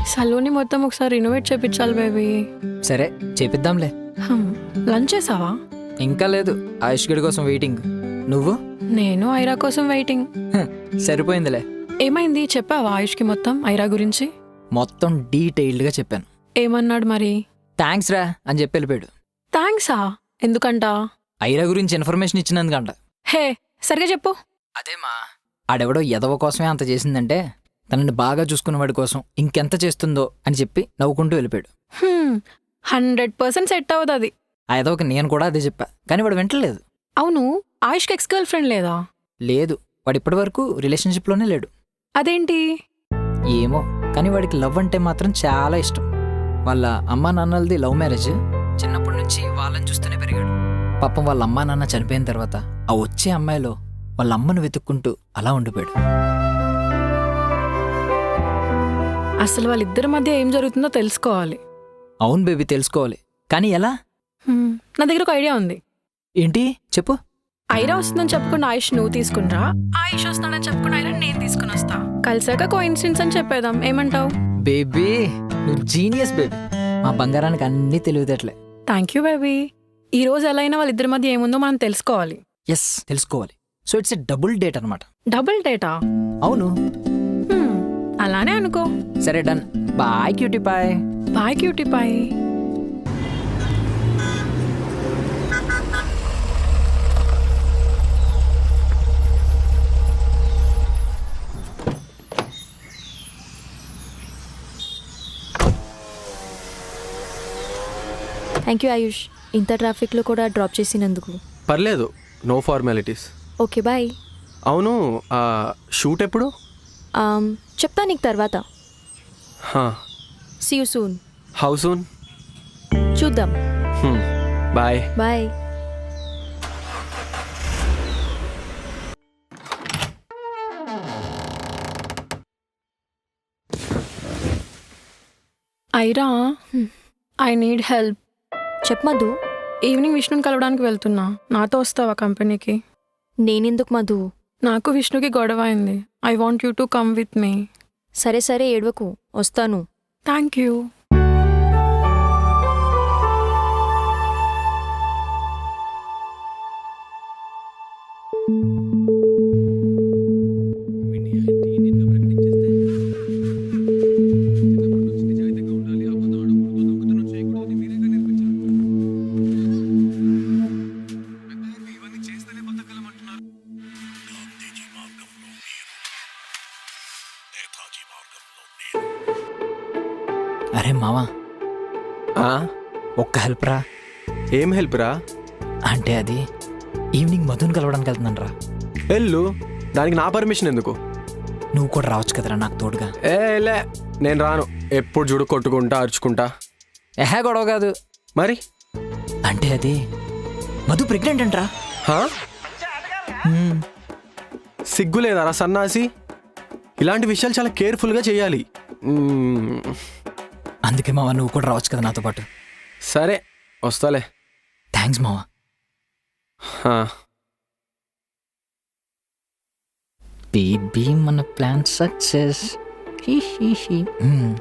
సలూని మొత్తం ఒకసారి renovate చేపించాలి baby. సరే చేపిద్దాంలే. లంచ్ చేసావా? ఇంకా లేదు, ఆయుష్ గడి కోసం వెయిటింగ్. నువ్వు? నేను ఐరా కోసం వెయిటింగ్. సరిపోయిందిలే. ఏమైంది చెప్పావా ఆయుష్కి మొత్తం ఐరా గురించి? మొత్తం డీటెయిల్డ్గా చెప్పాను. ఏమన్నాడు మరి? థ్యాంక్స్ రా అని చెప్పి వెళ్ళిపోయాడు. థ్యాంక్సా? ఎందుకంట? ఐరా గురించి ఇన్ఫర్మేషన్ ఇచ్చినందుకంట. హే సరిగా చెప్పు. అదేమా, ఆడెవడో ఎదవ కోసమే అంత చేసిందంటే తనని బాగా చూసుకున్నవాడి కోసం ఇంకెంత చేస్తుందో అని చెప్పి నవ్వుకుంటూ వెళ్ళిపోయాడు. 100% సెట్ అవ్వదు అది. ఆ ఎదవకి నేను కూడా అదే చెప్పా, కానీ వాడు వింటలేదు. అవును, ఆయుష్కి ఎక్స్ గర్ల్ ఫ్రెండ్ లేదా? లేదు, వాడు ఇప్పటి వరకు రిలేషన్షిప్లోనే లేడు. అదేంటి? ఏమో, కానీ వాడికి లవ్ అంటే మాత్రం చాలా ఇష్టం. వాళ్ళ అమ్మా నాన్నలది లవ్ మ్యారేజ్. చిన్నప్పటి నుంచి వాళ్ళని చూస్తూనే పెరిగాడు. పాపం వాళ్ళ అమ్మా నాన్న చనిపోయిన తర్వాత ఆ వచ్చే అమ్మాయిలో వాళ్ళ అమ్మను వెతుక్కుంటూ అలా ఉండిపోయాడు. అసలు వాళ్ళిద్దరి మధ్య ఏం జరుగుతుందో తెలుసుకోవాలి. అవును బేబీ, తెలుసుకోవాలి, కానీ ఎలా? నా దగ్గర ఒక ఐడియా ఉంది. ఏంటి చెప్పు. ఐరా వస్తుందని చెప్పుకున్న ఆయుష్ నువ్వు తీసుకునిరా, ఆయుష్ వస్తానని చెప్పుకున్న ఐరా నేను తీసుకుని వస్తా. కలిసాక కోఇన్సిడెన్స్ అని చెప్పేదాం, ఏమంటావు? బేబీ నువ్వు జీనియస్ బేబీ. మా బంగారానికి అన్నీ తెలివితేటలే. Thank you baby. ఈ రోజు ఎలా అయినా వాళ్ళిద్దరి మధ్య ఏముందో మనం తెలుసుకోవాలి. ఎస్, తెలుసుకోవాలి. So it's a double date అనమాట. డబుల్ డేటా? అవును. అలానే అనుకో. సరే done. Bye cutie pie. Bye cutie pie. Thank you Ayush, ఇంత ట్రాఫిక్లో కూడా డ్రాప్ చేసినందుకు. పర్లేదు, నో ఫార్మాలిటీస్. Okay bye. అవును, షూట్ ఎప్పుడు? చెప్తా నీకు తర్వాత. See you soon. How soon? చూద్దాం. Bye. Bye. Aira, I need help. చెప్ మధు. ఈవినింగ్ విష్ణుని కలవడానికి వెళ్తున్నా, నాతో వస్తావా కంపెనీకి? నేనెందుకు మధు? నాకు విష్ణుకి గొడవ అయింది. I want you to come with me. సరే సరే, ఏడవకు, వస్తాను. Thank you. అరే మావా, ఒక్క హెల్ప్ రా. ఏం హెల్ప్ రా? అంటే అది ఈవినింగ్ మధుని కలవడానికి వెళ్తున్నాను రా. వెళ్ళు, దానికి నా పర్మిషన్ ఎందుకు? నువ్వు కూడా రావచ్చు కదరా నాకు తోడుగా. లే, నేను రాను. ఎప్పుడు చూడు కొట్టుకుంటా అరుచుకుంటా. గొడవ కాదు మరి. అంటే అది మధు ప్రెగ్నెంట్ అంటరా. సిగ్గు లేదారా సన్నాసి? ఇలాంటి విషయాలు చాలా కేర్ఫుల్గా చేయాలి. అందుకే మావా, నువ్వు కూడా రావచ్చు కదా నాతో పాటు. సరే వస్తాలే. థ్యాంక్స్ మావా. బేబీ మన ప్లాన్ సక్సెస్.